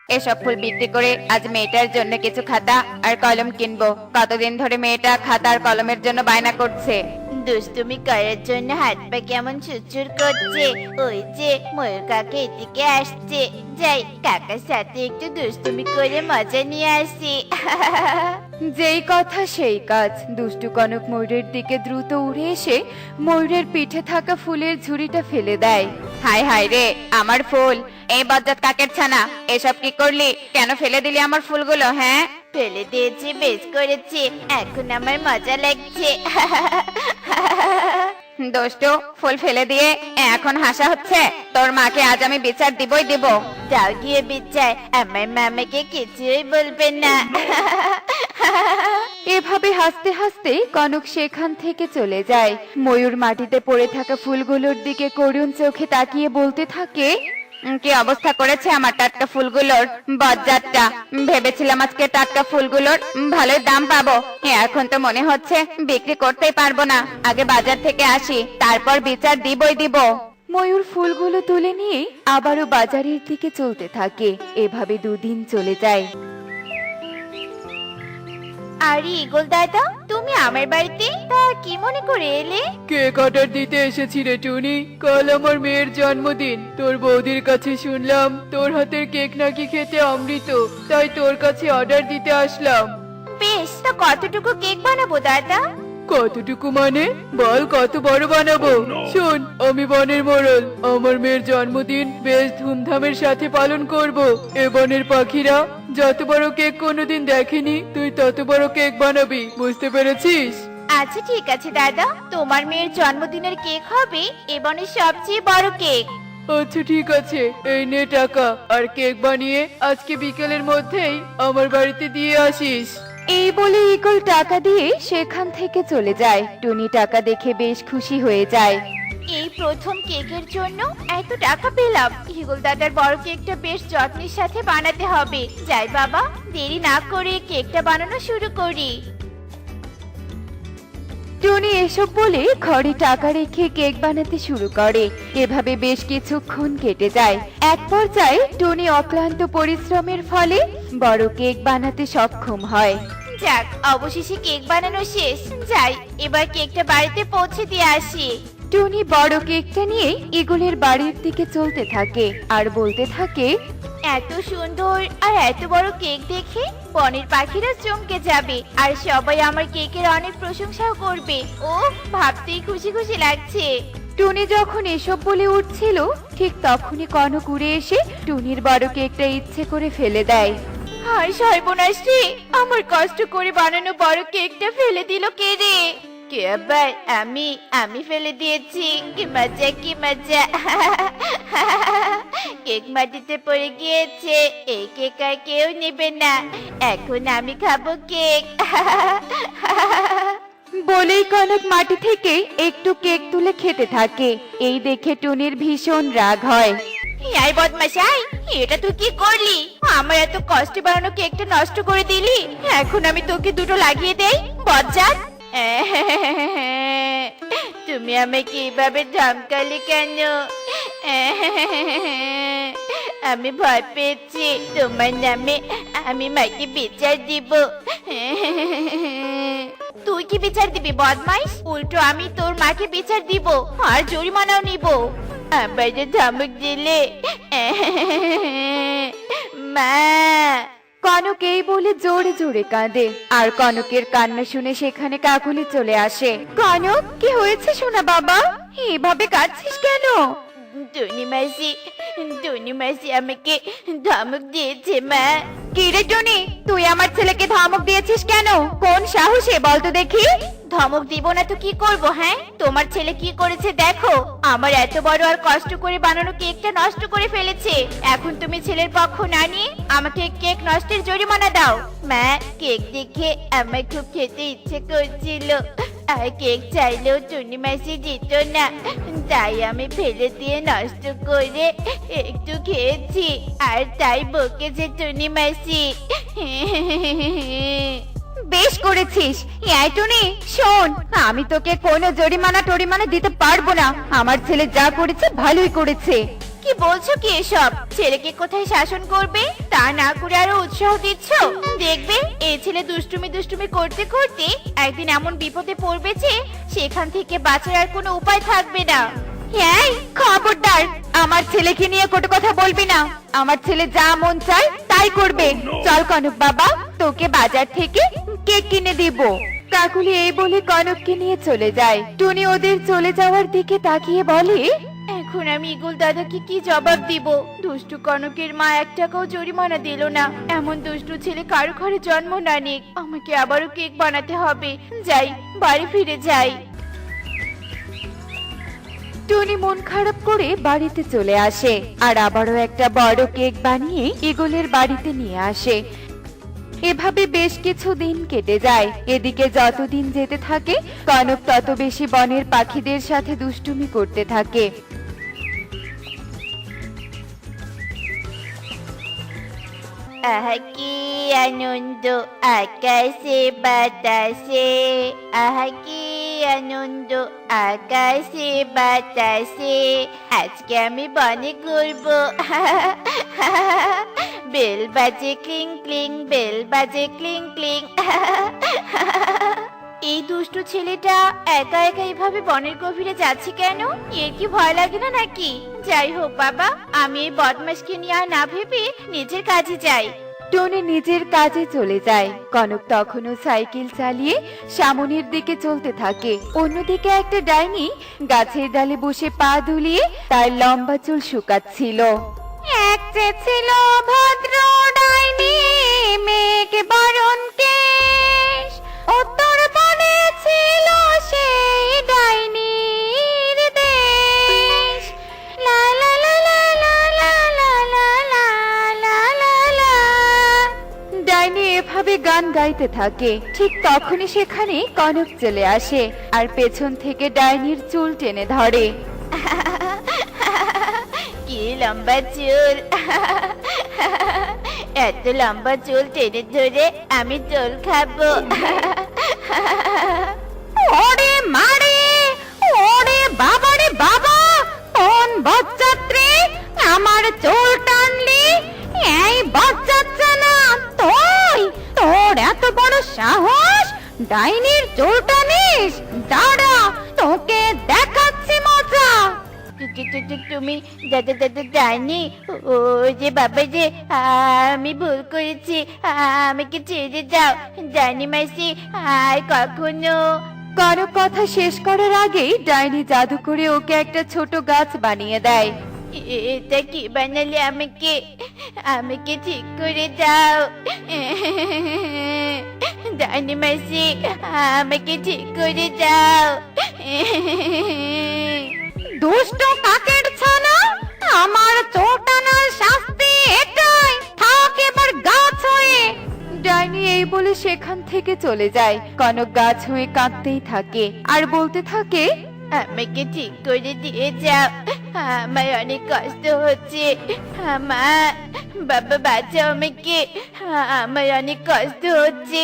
এসব ফুল বিক্রি করে আজ মেয়েটার জন্য কিছু খাতা আর কলম কিনবো। কতদিন ধরে মেয়েটা খাতা আর কলমের জন্য বায়না করছে। দুষ্টুমি করার জন্য হাত পা কেমন চুরচুর করছে। ওই যে ময়ূর কাকা এদিকে আসছে, যাই কাকার সাথে একটু দুষ্টুমি করে মজা নিয়ে আসি। যেই কথা সেই কাজ। দুষ্টু কনক ময়ূরের দিকে দ্রুত উড়ে এসে ময়ূরের পিঠে থাকা ফুলের ঝুড়িটা ফেলে দেয়। হায় হায় রে, আমার ফুল! এই বজ্জাত কাকের ছানা, এসব কি করলি? কেন ফেলে দিলি আমার ফুলগুলো? হ্যাঁ, ফেলে দিয়েছি, বেশ করেছি, এখন আমার মজা লাগছে। দুষ্টু, ফুল ফেলে দিয়ে এখন হাসা হচ্ছে? তোর মাকে আজ আমি বিচার দিবই দিব। যাও গিয়ে বিচার, আমার মামাকে কিছুই বলবেন না। এভাবে হাসতে হাসতে কনক সেখান থেকে চলে যায়। ময়ূর মাটিতে পড়ে থাকা ফুলগুলোর দিকে করুণ চোখে তাকিয়ে বলতে থাকে, কি অবস্থা করেছে আমার টাটকা ফুলগুলোর বজ্জাতটা! ভেবেছিলাম আজকে টাটকা ফুলগুলোর ভালোই দাম পাবো, এখন তো মনে হচ্ছে বিক্রি করতেই পারবো না। আগে বাজার থেকে আসি, তারপর বিচার দিবই দিব। ময়ূর ফুলগুলো তুলে নিয়ে আবারও বাজারের দিকে চলতে থাকে। এভাবে দুদিন চলে যায়। আরে ইগল দাদা, তুমি আমার বাড়িতে তা কি মনে করে এলে? কেক অর্ডার দিতে এসেছি রে টুনি। কাল আমার মেয়ের জন্মদিন। তোর বৌদির কাছে শুনলাম তোর হাতের কেক নাকি খেতে অমৃত, তাই তোর কাছে অর্ডার দিতে আসলাম। বেশ, তা কতটুকু কেক বানাবো দাদা? কতটুকু মানে? বল কত বড় বানাবো? শোন, আমি বনের মোড়ল, আমার মেয়ের জন্মদিন বেশ ধুমধামের সাথে পালন করব। এ বনের পাখিরা যত বড় কেক কোনোদিন দেখেনি, তুই তত বড় কেক বানাবি, বুঝতে পেরেছিস? আচ্ছা ঠিক আছে দাদা, তোমার মেয়ের জন্মদিনের কেক হবে এবনের সবচেয়ে বড় কেক। আচ্ছা ঠিক আছে, এই নে টাকা, আর কেক বানিয়ে আজকে বিকেলের মধ্যেই আমার বাড়িতে দিয়ে আসিস। এই বলে ইগল টাকা দিয়ে সেখান থেকে চলে যায়। টুনি টাকা দেখে বেশ খুশি হয়ে যায়। এই প্রথম কেকের জন্য এত টাকা পেলাম। ইগল দাদার বড় কেকটা বেশ যত্নের সাথে বানাতে হবে। যাই বাবা, দেরি না করে কেকটা বানানো শুরু করি। টুনি এসব বলে ঘরে টাকা রেখে কেক বানাতে শুরু করে। এভাবে বেশ কিছুক্ষণ কেটে যায়। এক পর্যায়ে টুনি অক্লান্ত পরিশ্রমের ফলে বড় কেক বানাতে সক্ষম হয়। যাক, অবশেষে কেক বানানো শেষ। যাই এবার কেকটা বাড়িতে পৌঁছে দিয়ে আসি। টুনি বড় কেকটা নিয়ে ইগলের বাড়ির দিকে চলতে থাকে আর বলতে থাকে, এত সুন্দর আর এত বড় কেক দেখে বনের পাখিরা চমকে যাবে, আর সবাই আমার কেকের অনেক প্রশংসাও করবে। ও ভাবতেই খুশি খুশি লাগছে। টুনি যখন এসব বলে উঠছিল, ঠিক তখনই কনক উড়ে এসে টুনির বড় কেকটা ইচ্ছে করে ফেলে দেয়। হায় সর্বনাশ রে, আমার কষ্ট করে বানানো বড় কেকটা ফেলে দিল কে রে? কে আবার? আমি ফেলে দিয়েছি। কি মজা, কি মজা! কেক মাটিতে পড়ে গিয়েছে, এই কেক আর কেউ নেবে না। এখন আমি খাবো কেক। বলেই কনক মাটি থেকে একটু কেক তুলে খেতে থাকে। এই দেখে টুনির ভীষণ রাগ হয়। এই বদমাশাই, এটা তুই কি করলি? আমার এত কষ্টে বানানো কেকটা নষ্ট করে দিলি। এখন আমি তোকে দুটো লাগিয়ে দেই, বজ্জাত! তুমি আমাকে এইভাবে ধমকালে কেন? আমি ভয় পেয়েছি। তোমার নামে আমি মাকে বিচার দিব। তুই কি বিচার দিবি বদমাইশ? উল্টো আমি তোর মাকে বিচার দিব আর জরিমানাও নিব। আবার যে ধমক দিলে। মা! কনক এই বলে জোরে জোরে কাঁদে। আর কনকের কান্না শুনে সেখানে কাকুলি চলে আসে। কনক, কি হয়েছে সোনা বাবা? এভাবে কাঁদছিস কেন? টুনি মাসি আমাকে ধমক দিয়েছে মা। কি রে টুনি, তুই আমার ছেলেকে ধমক দিয়েছিস কেন? কোন সাহসে বলতো দেখি? ধমক দিব না তো কি করব? হ্যাঁ, তোমার ছেলে কি করেছে দেখো। আমার এত বড় আর কষ্ট করে বানানো কেকটা নষ্ট করে ফেলেছে। এখন তুমি ছেলের পক্ষ না নিয়ে আমাকে কেক নষ্টের জরিমানা দাও। মা, কেক দেখে আমার খুব খেতে ইচ্ছে করছিল, আর কেক চাইলেও টুনি মাসি দিত না, তাই আমি ফেলে দিয়ে নষ্ট করে একটু খেয়েছি, আর তাই বকেছে টুনি মাসি। বেশ করেছিস। এই টুনি শোন, আমি তোকে কোনো জরিমানা টরিমানা দিতে পারবো না। আমার ছেলে যা করেছে ভালোই করেছে। কি বলছো কি এসব? ছেলেকে কোথায় শাসন করবে তা না করে আরো উৎসাহ দিচ্ছ। দেখবে এই ছেলে দুষ্টুমি দুষ্টুমি করতে করতে একদিন এমন বিপদে পড়বে যে সেখান থেকে বাঁচার আর কোনো উপায় থাকবে না। এই খবরদার, আমার ছেলেকে নিয়ে কটু কথা বলবি না। আমার ছেলে যা মন চায় তাই করবে। চল কনক বাবা, তোকে বাজার থেকে কেক কিনে দিব। কাকুলি এই বলে কনককে নিয়ে চলে যায়। টুনি ওদের চলে যাওয়ার দিকে তাকিয়ে বলে, এখন আমি ইগল দাদাকে কি জবাব দিব? দুষ্টু কনকের মা 1 টাকাও জরিমানা দিল না। এমন দুষ্টু ছেলে কারো ঘরে জন্ম না নিক। আমাকে আবারও কেক বানাতে হবে। যাই, বাড়ি ফিরে যাই। টুনি মন খারাপ করে বাড়িতে চলে আসে আর আবারও একটা বড় কেক বানিয়ে ইগলের বাড়িতে নিয়ে আসে। এভাবে বেশ কিছু দিন কেটে যায়। এদিকে যতদিন যেতে থাকে কনক তত বেশি বনের পাখিদের সাথে দুষ্টুমি করতে থাকে। আহা কি আনন্দ আকাশে বাতাসে, আহা কি আনন্দ আকাশে বাতাসে। আজকে আমি বনে ঘুরবো। বেল বাজে ক্লিং ক্লিং, বেল বাজে ক্লিং ক্লিং। এই দুষ্টু ছেলেটা একা একা এইভাবে বনের গভীরে যাচ্ছে কেন? এর কি ভয় লাগে না নাকি? যাই হোক বাবা, আমি এই বদমাশকে নিয়ে আর না ভেবে নিজের কাজে যাই। টুনি নিজের কাজে চলে যায়। কনক তখনও সাইকেল চালিয়ে সামনের দিকে চলতে থাকে। অন্যদিকে একটা ডাইনি গাছের ডালে বসে পা দুলিয়ে তার লম্বা চুল শুকাচ্ছিল। এক যে ছিল ভদ্র ডাইনি, মেঘে বরণ কেশ, উত্তর বনে ছিল সেই ডাইনির দেশ। লা লা লা লা লা লা লা লা লা লা লা লা। ডাইনি এভাবে গান গাইতে থাকে। ঠিক তখনই সেখানে কনক চলে আসে আর পেছন থেকে ডাইনির চুল টেনে ধরে। কি লম্বা চুল! এত লম্বা চুল টেনে ধরে আমি চুল খাবো। ওরে মারে, ওরে বাবারে বাবা, কোন বজ্জাত্রে আমার চুল টানলি? এই বজ্জাত্রা না তুই? তোর এত বড় সাহস, ডাইনির চুল টানিস? দাঁড়া, তোকে দেখাচ্ছি মজা। তুমি দাদা দাদা জানি ও যে বাবা যে আমি ভুল করেছি, আমাকে ছেড়ে দাও জানি মাসি, আর কখনো। কনক কথা শেষ করার আগেই ডাইনি জাদু করে ওকে একটা ছোট গাছ বানিয়ে দেয়। এটা কি বানালে? আমাকে আমাকে ঠিক করে দাও জানি মাসি, আমাকে ঠিক করে দাও। দুষ্ট কাকের ছানা, আমার চোটানোর শাস্তি এটাই, থাক এবার গাছ হয়ে। ডাইনি এই বলে সেখান থেকে চলে যায়। কনক গাছ হয়ে কাঁদতেই থাকে আর বলতে থাকে, আমাকে ঠিক করে দিয়ে যাও, আমার অনেক কষ্ট হচ্ছে। আমার বাবা বাঁচাও আমাকে, আমার অনেক কষ্ট হচ্ছে।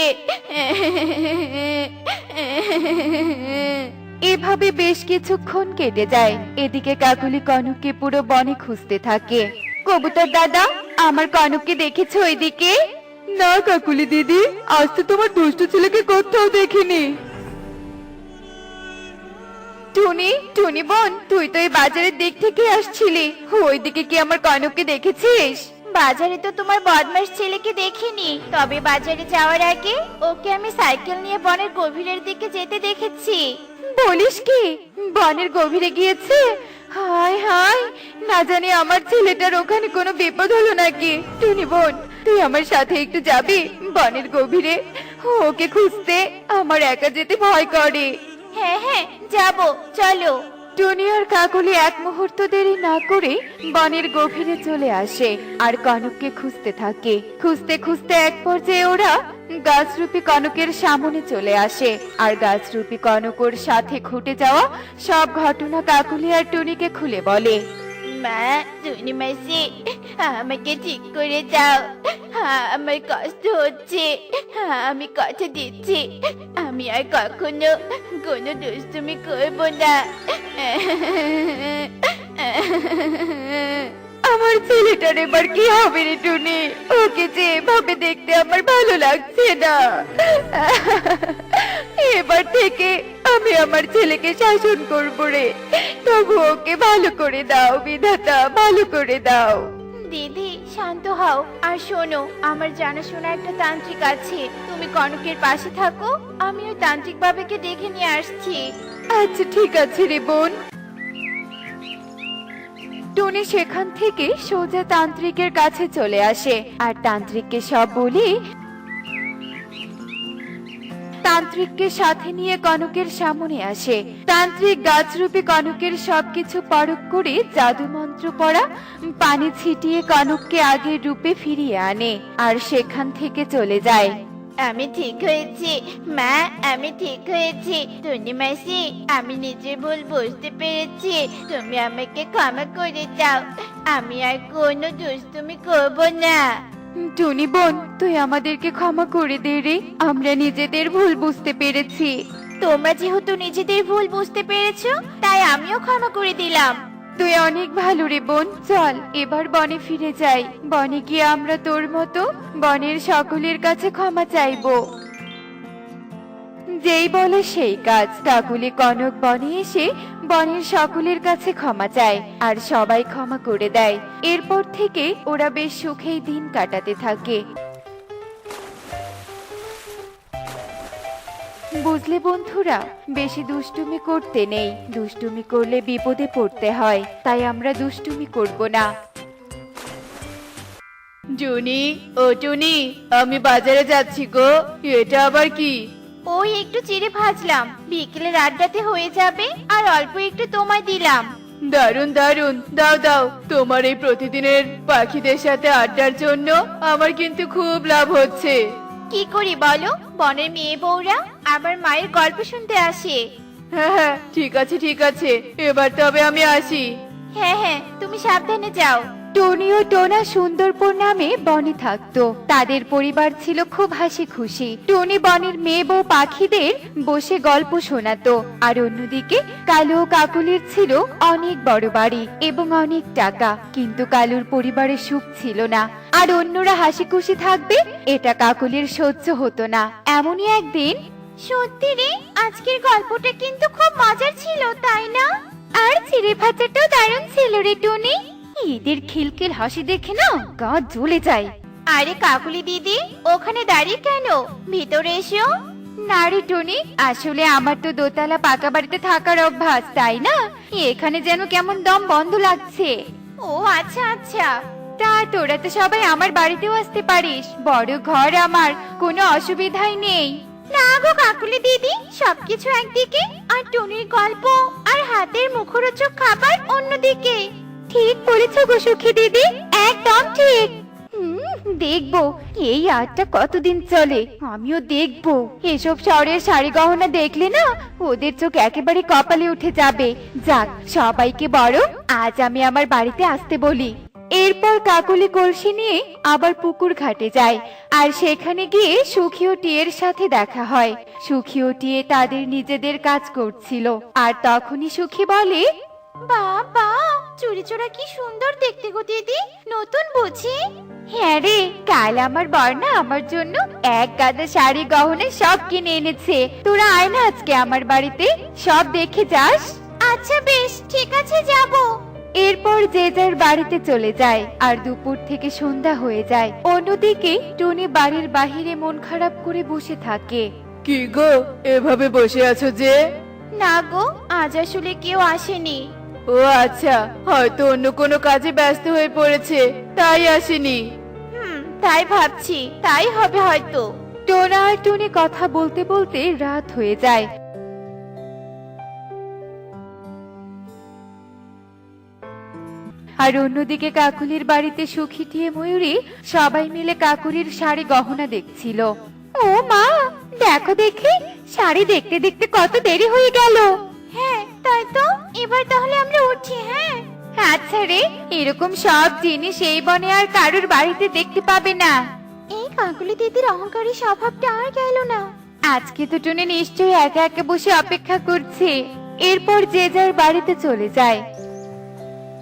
এভাবে বেশ কিছুক্ষণ কেটে যায়। এদিকে কাকুলি কনককে পুরো বনে খুঁজতে থাকে। কবুতর দাদা, আমার কনককে দেখেছো ওইদিকে? না কাকুলি দিদি, আজ তো তোমার দুষ্টু ছেলেকে কোথাও দেখিনি। টুনি, টুনি বোন, তুই তো এই বাজারের দিক থেকে আসছিলি, ওইদিকে কি আমার কনককে দেখেছিস? বাজারে তো তোমার বদমাশ ছেলেকে দেখিনি, তবে বাজারে যাওয়ার আগে ওকে আমি সাইকেল নিয়ে বনের গভীরের দিকে যেতে দেখেছি। বলিস কি, বনের গভীরে গিয়েছে? হায় হায়, না জানি আমার ছেলেটার ওখানে কোনো বিপদ হলো নাকি। টুনি বোন, তুই আমার সাথে একটু যাবি বনের গভীরে? ওকে খুঁজতে আমার একা যেতে ভয় করে। হ্যাঁ হ্যাঁ যাবো, চলো। টুনি আর কাকলি এক মুহূর্ত দেরি না করে বনের গভীরে চলে আসে আর কনককে খুঁজতে থাকে। খুঁজতে খুঁজতে এক পর্যায়ে ওরা গাছরূপী কনকের সামনে চলে আসে আর গাছরূপী কনক ওর সাথে ঘটে যাওয়া সব ঘটনা কাকলি আর টুনিকে খুলে বলে। মা, টুনি মাসি, আমাকে ঠিক করে দাও, আমার কষ্ট হচ্ছে। আমি কথা দিচ্ছি আমি আর কখনো কোনো দুষ্টুমি করবো না। আমার ছেলেটার এবার কি হবে রে টুনি? ওকে যে এভাবে দেখতে আমার ভালো লাগছে না। এবার থেকে আমি আমার ছেলেকে শাসন করবো রে। তবু ওকে ভালো করে দাও বিধাতা, ভালো করে দাও। দিদি শান্ত হও আর শোনো, আমার জানাশোনা একটা তান্ত্রিক আছে, তুমি কনকের পাশে থাকো, আমি ওই তান্ত্রিক বাবাকে ডেকে নিয়ে আসছি। আচ্ছা ঠিক আছে রে বোন। টুনি সেখান থেকে সোজা তান্ত্রিকের কাছে চলে আসে আর তান্ত্রিককে সব বলি তান্ত্রিককে সাথে নিয়ে কনকের সামনে আসে। তান্ত্রিক গাছরূপী কনকের সবকিছু পরখ করে জাদু মন্ত্র পড়া পানি ছিটিয়ে কনককে আগের রূপে ফিরিয়ে আনে আর সেখান থেকে চলে যায়। আমি ঠিক হয়েছি মা, আমি ঠিক হয়েছি। টুনি মাসি, আমি নিজের ভুল বুঝতে পেরেছি, তুমি আমাকে ক্ষমা করে দাও, আমি আর কোনো দুষ্টুমি করব না। টুনি বোন, তুই আমাদেরকে ক্ষমা করে দে রে, আমরা নিজেদের ভুল বুঝতে পেরেছি। তোমরা যেহেতু নিজেদের ভুল বুঝতে পেরেছো, তাই আমিও ক্ষমা করে দিলাম। তুই অনেক ভালো রে বোন, চল এবার বনে ফিরে যাই। বনে গিয়ে আমরা তোর মতো বনের সকলের কাছে ক্ষমা চাইবো। যেই বলে সেই কাজ, কাকুলি কনক বনে এসে বনের সকলের কাছে ক্ষমা চায় আর সবাই ক্ষমা করে দেয়। এরপর থেকে ওরা বেশ সুখেই দিন কাটাতে থাকে। বুঝলে বন্ধুরা, বেশি দুষ্টুমি করতে নেই, দুষ্টুমি করলে বিপদে পড়তে হয়, তাই আমরা দুষ্টুমি করব না। টুনি, ও টুনি, আমি বাজারে যাচ্ছি গো। এটা আবার কি? ওই একটু চিড়ে ভাজলাম, বিকেলের আড্ডাতে হয়ে যাবে, আর অল্প একটু তোমায় দিলাম। দারুন দারুন, দাও দাও। তোমার এই প্রতিদিনের পাখিদের সাথে আড্ডার জন্য আমার কিন্তু খুব লাভ হচ্ছে। কি করি বলো, বনের মেয়ে বউরা আবার মায়ের গল্প শুনতে আসে। হ্যাঁ হ্যাঁ, ঠিক আছে ঠিক আছে, এবার তবে আমি আসি। হ্যাঁ হ্যাঁ, তুমি সাবধানে যাও। টনি ও টোনা সুন্দরপুর নামে বনে থাকতো। তাদের পরিবার ছিল খুব হাসি খুশি। টনি বনের মেয়ে বউ পাখিদের বসে গল্প শোনাতো, আর অন্যদিকে কালু ও কাকুলির ছিল অনেক বড় বাড়ি এবং অনেক টাকা, কিন্তু কালুর পরিবারে সুখ ছিল না, আর অন্যরা হাসি খুশি থাকবে এটা কাকুলির সহ্য হতো না। এমনই একদিন, সত্যি রে, আজকের গল্পটা কিন্তু খুব মজার ছিল, তাই না? আর চিড়ে ভাজাটাও দারুণ ছিল রে টনি। এদের খিলখিল হাসি দেখে না গা জ্বলে যায়। আরে কাকুলি দিদি, ওখানে দাঁড়িয়ে কেন? ভিতরে এসো। না রে টনি, আসলে আমার তো দোতলা পাকা বাড়িতে থাকার অভ্যাস, তাই না এখানে যেন কেমন দম বন্ধ লাগছে। ও আচ্ছা আচ্ছা। তা তোরা তো সবাই আমার বাড়িতেও আসতে পারিস, বড় ঘর আমার, কোনো অসুবিধাই নেই। না গো কাকুলি দিদি, সবকিছু একদিকে, আর টুনির গল্প আর হাতের মুখরোচক খাবার অন্যদিকে। ঠিক বলেছ গো সুখী দিদি, একদম ঠিক। দেখবো এই আটটা কতদিন চলে, আমিও দেখবো। এসব শহরের শাড়ি গহনা দেখলে না ওদের চোখ একেবারে কপালে উঠে যাবে। যাক, সবাইকে বড় আজ আমি আমার বাড়িতে আসতে বলি। এরপর কাকুলি কলসি নিয়ে আবার পুকুর ঘাটে যায়, আর সেখানে গিয়ে সুখী ও টিয়ের সাথে দেখা হয়। সুখী ও টিয়ে তাদের নিজেদের কাজ করছিল, আর তখনই সুখী বলে, বাবা, চুড়ি চোরা কি সুন্দর দেখতে গো দিদি, নতুন বুঝি? হ্যাঁ রে, কাল আমার বর্ণা আমার জন্য এক গাদা শাড়ি গহনা সব কিনে এনেছে। তোরা আয় না আজকে আমার বাড়িতে, সব দেখে যাস। আচ্ছা বেশ, ঠিক আছে যাব। এরপর যে যার বাড়িতে চলে যায়, আর দুপুর থেকে সন্ধ্যা হয়ে যায়। অন্যদিকে টুনি বাড়ির বাহিরে মন খারাপ করে বসে থাকে। কি গো, এভাবে বসে আছো যে? না গো, আজ আসলে কেউ আসেনি। ও আচ্ছা, হয়তো অন্য কোনো কাজে ব্যস্ত হয়ে পড়েছে, তাই আসেনি। তাই ভাবছি, তাই হবে হয়তো। টোনা আর টুনি কথা বলতে বলতে রাত হয়ে যায়। আর অন্যদিকে কাকুলির বাড়িতে সুখী টিয়ে ময়ূরী সবাই মিলে কাকুলির শাড়ি গহনা দেখছিল। ও মা, দেখো দেখি, শাড়ি দেখতে দেখতে কত দেরি হয়ে গেল। হ্যাঁ তাই তো, এবার তাহলে আমরা উঠি। হ্যাঁ আচ্ছা রে, এরকম সব জিনিস এই বনে আর কারুর বাড়িতে দেখতে পাবে না। এই কাকুলি দিদির অহংকারী স্বভাবটা আর গেল না। আজকে তো টুনি নিশ্চয়ই একা একা বসে অপেক্ষা করছে। এরপর যে যার বাড়িতে চলে যায়।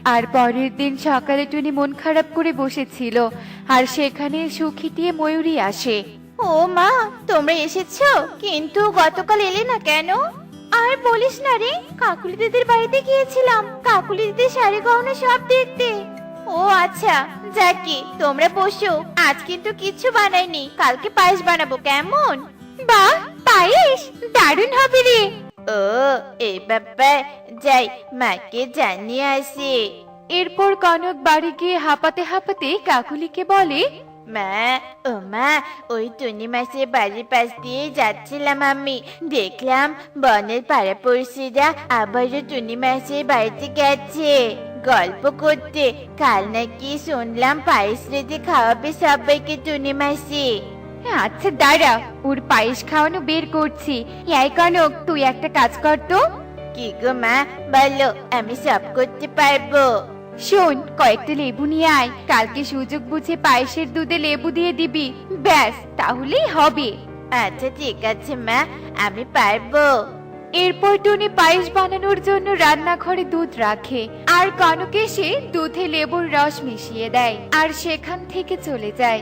আর পরের দিন সকালে টুনি মন খারাপ করে বসেছিল আর সেখানে সুখিটিয়ে ময়ূরী আসে। ও মা, তোমরা এসেছো, কিন্তু গতকাল এলে না কেন? আর বলিস না রে, কাকুলি দিদির বাড়িতে গিয়েছিলাম কাকুলি দিদির শাড়ি গহনা সব দেখতে। ও আচ্ছা, যাকে তোমরা বসো, আজ কিন্তু কিচ্ছু বানাইনি, কালকে পায়েস বানাবো, কেমন? বাহ, পায়েস দারুণ হবে রে। ও এই ব্যাপার, যাই মাকে জানিয়ে আসি। এরপর কনক বাড়ি গিয়ে হাঁপাতে হাঁপাতে কাকুলিকে বলে, মা, ও মা, ওই টুনি মাসের বাড়ির পাশ দিয়ে যাচ্ছিলাম আমি, দেখলাম বনের পাড়াপড়শিরা আবারও টুনি মাসের বাড়িতে গেছে গল্প করতে। কাল নাকি শুনলাম পায়েস রেঁধে খাওয়াবে সবাইকে টুনি মাসি। আচ্ছা দাঁড়া, ওর পায়েস খাওয়ানো বের করছি। এই কনক, তুই একটা কাজ কর তো। কি গো মা, বলো, আমি সব করতে পারবো। শোন, কয়েকটা লেবু নিয়ে আয়, কালকে সুযোগ বুঝে পায়েসের দুধে লেবু দিয়ে দিবি, ব্যাস তাহলেই হবে। আচ্ছা ঠিক আছে মা, আমি পারবো। এরপর টুনি পায়েস বানানোর জন্য রান্নাঘরে দুধ রাখে আর কনক এসে দুধে লেবুর রস মিশিয়ে দেয় আর সেখান থেকে চলে যায়।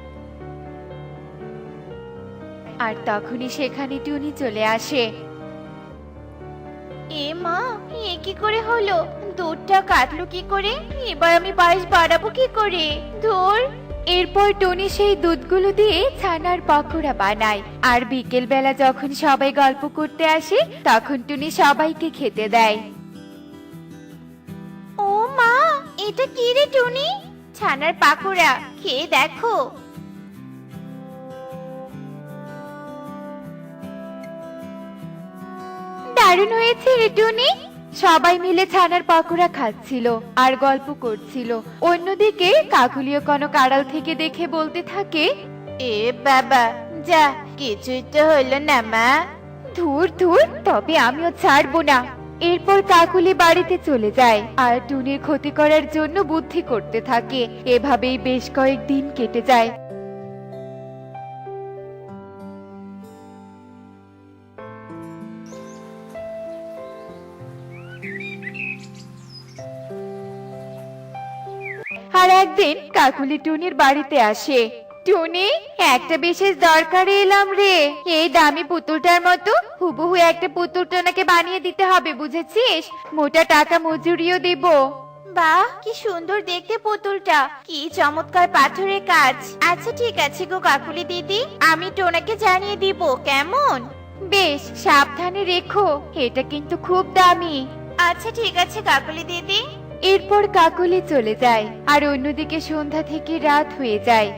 আর তখনই সেখানে টুনি চলে আসে। এ মা, এ কি করে হলো? দুধটা কাটলো কি করে? এবার আমি পায়েস বাড়াবো কি করে? ধুর। এরপর টুনি সেই দুধগুলো দিয়ে ছানার পকোড়া বানায় আর বিকেল বেলা যখন সবাই গল্প করতে আসে তখন টুনি সবাইকে খেতে দেয়। ও মা, এটা কি রে টুনি? ছানার পাকোড়া, খেয়ে দেখো। দারুণ হয়েছে রে টুনি। সবাই মিলে ছানার পকোড়া খাচ্ছিল আর গল্প করছিল। অন্যদিকে কাকুলিও কনক আড়াল থেকে দেখে বলতে থাকে, এ বাবা, যা, কিছুই তো হলো না মা। ধুর ধুর, তবে আমিও ছাড়বো না। এরপর কাকুলি বাড়িতে চলে যায় আর টুনির ক্ষতি করার জন্য বুদ্ধি করতে থাকে। এভাবেই বেশ কয়েকদিন কেটে যায়। আর একদিন কাকুলি টুনির বাড়িতে আসে। টুনি, একটা বিশেষ দরকারে এলাম রে। এই দামি পুতুলটার মতো হুবহু একটা পুতুল টোনাকে বানিয়ে দিতে হবে, বুঝেছিস? মোটা টাকা মজুরিও দিব। বাহ, কি সুন্দর দেখতে পুতুলটা, কি চমৎকার পাথরের কাজ। আচ্ছা ঠিক আছে গো কাকুলি দিদি, আমি টোনাকে জানিয়ে দিব, কেমন? বেশ, সাবধানে রেখো, এটা কিন্তু খুব দামি। আচ্ছা ঠিক আছে কাকুলি দিদি। এরপর কাকুলি চলে যায় আর অন্যদিকে সন্ধ্যা থেকে রাত হয়ে যায়।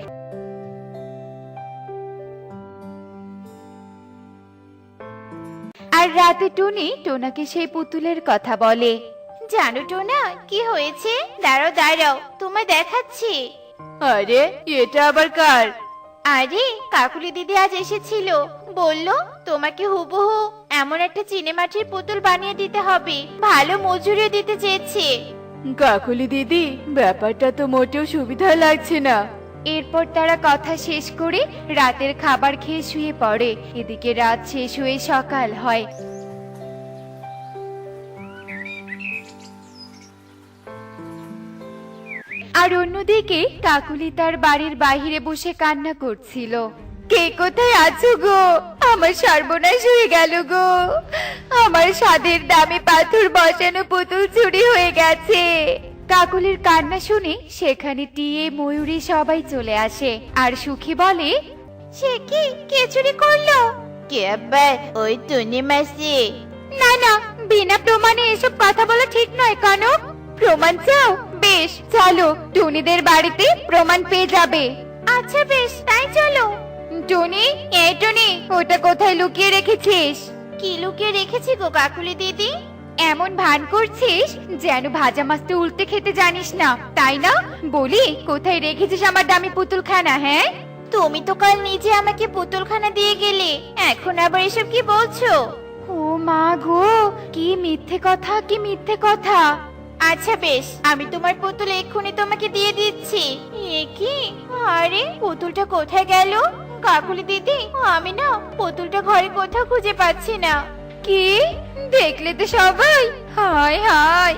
আর রাতে টুনি টোনাকে সেই পুতুলের কথা বলে। জানো টোনা, কি হয়েছে? দাঁড়াও দাঁড়াও, তোমায় দেখাচ্ছি। আরে, এটা আবার কার? আরে, কাকুলি দিদি আজ এসেছিল, বলল তোমাকে হুবহু এমন একটা চিনেমাটির পুতুল বানিয়ে দিতে হবে, ভালো মজুরি দিতে চেয়েছে। কাকুলি দিদি, ব্যাপারটা তো মোটেও সুবিধা লাগছে না। এরপর তারা কথা শেষ করে রাতের খাবার খেয়ে শুয়ে পড়ে। এদিকে রাত শেষ হয়ে সকাল হয়। আর অন্যদিকে কাকুলি তার বাড়ির বাইরে বসে কান্না করছিল। কে কোথায় আছো গো? আমার সর্বনাশ হয়ে গেল গো। আমার স্বাদের দামি পাথর বসানো পুতুল চুরি হয়ে গেছে। কাকুলির কান্না শুনে সেখানে টিয়ে ময়ূরী সবাই চলে আসে আর সুখী বলে, সে কি, কে চুরি করলো? কে আবার? ওই টুনি মাসি। না না, বিনা প্রমাণে এসব কথা বলা ঠিক নয় কনক। প্রমাণ চাও? বেশ, চলো, টুনিদের বাড়িতে প্রমাণ পেয়ে যাবে। আচ্ছা বেশ, তাই চলো। টুনি, এই টুনি, ওটা কোথায় লুকিয়ে রেখেছিস? কি লুকিয়ে রেখেছি গো কাকুলি দিদি? এমন ভান করছিস যেন ভাজা মাছটা উল্টে খেতে জানিস না, তাই না? বলি, কোথায় রেখেছিস আমার দামি পুতুলখানা? হ্যাঁ, তুমি তো কাল নিজে আমাকে পুতুলখানা দিয়ে গেলে, এখন আবার এসব কি বলছো? ও মা গো, কি মিথ্যে কথা, কি মিথ্যে কথা। আচ্ছা বেশ, আমি তোমার পুতুল এক্ষুনি তোমাকে দিয়ে দিচ্ছি। এ কি? আরে, পুতুলটা কোথায় গেল? কাকুলি দিদি, আমি না পুতুলটা ঘরে কোথাও খুঁজে পাচ্ছি না। কি দেখলে তো সবাই? হায় হায়,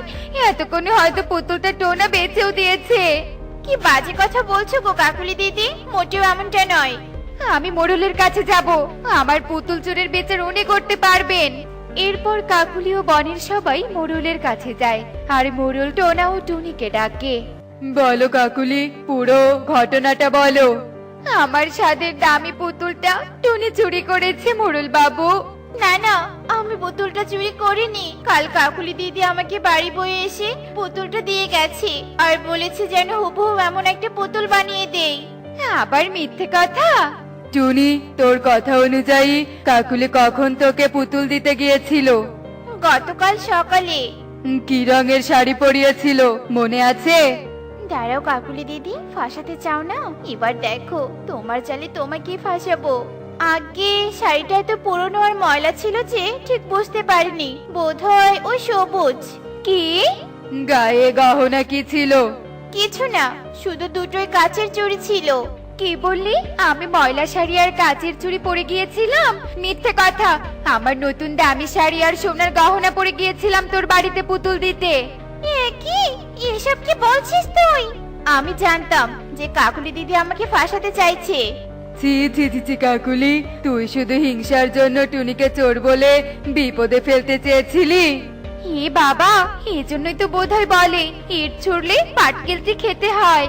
এতক্ষণে হয়তো পুতুলটা টোনা বেচেও দিয়েছে। কি বাজে কথা বলছো গো কাকুলি দিদি, মোটেও এমনটা নয়। আমি মোড়লের কাছে যাব, আমার পুতুল চোরের বিচার উনি করতে পারবেন। এরপর কাকুলি ও বনের সবাই মোড়লের কাছে যায়, আর মোড়ল টোনা ও টুনিকে ডাকে। বলো কাকুলি, পুরো ঘটনাটা বলো। আমার স্বাদের দামি পুতুলটা টুনি চুরি করেছে মোড়ল বাবু। না না, আমি পুতুলটা চুরি করিনি। কাল কাকুলি দিদি আমাকে বাড়ি বয়ে এসে পুতুলটা দিয়ে গেছে আর বলেছে যেন হুবহু এমন একটা পুতুল বানিয়ে দেই। আবার মিথ্যে কথা? টুনি, তোর কথা অনুযায়ী কাকুলি কখন তোকে পুতুল দিতে গিয়েছিল? গতকাল সকালে। কি রঙের শাড়ি পরিয়েছিল মনে আছে? দাঁড়াও কাকুলি দিদি, ফাঁসাতে চাও না? এবার দেখো তোমার চালে তোমাকে ফাঁসাবো। আগে শাড়িটা এত পুরনো আর ময়লা ছিল যে ঠিক বুঝতে পারিনি, বোধহয় ওই সবুজ। কি? গায়ে গহনা কি ছিল? কিছু না, শুধু দুটোই কাচের চুড়ি ছিল। কি বললি? আমি ময়লা শাড়ি আর কাচের চুড়ি পরে গিয়েছিলাম? মিথ্যে কথা! আমার নতুন দামি শাড়ি আর সোনার গহনা পরে গিয়েছিলাম তোর বাড়িতে পুতুল দিতে। এ কি, এসব কি বলছিস তুই? আমি জানতাম যে কাকুলি দিদি আমাকে ফাঁসাতে চাইছে। ছি ছি ছি ছি কাকুলি, তুই শুধু হিংসার জন্য টুনিকে চোর বলে বিপদে ফেলতে চেয়েছিলি। হে বাবা, এজন্যই তো বোধহয় বলে ইট ছুড়লে পাটকেলটি খেতে হয়।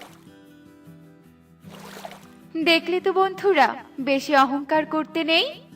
দেখলে তো বন্ধুরা, বেশি অহংকার করতে নেই।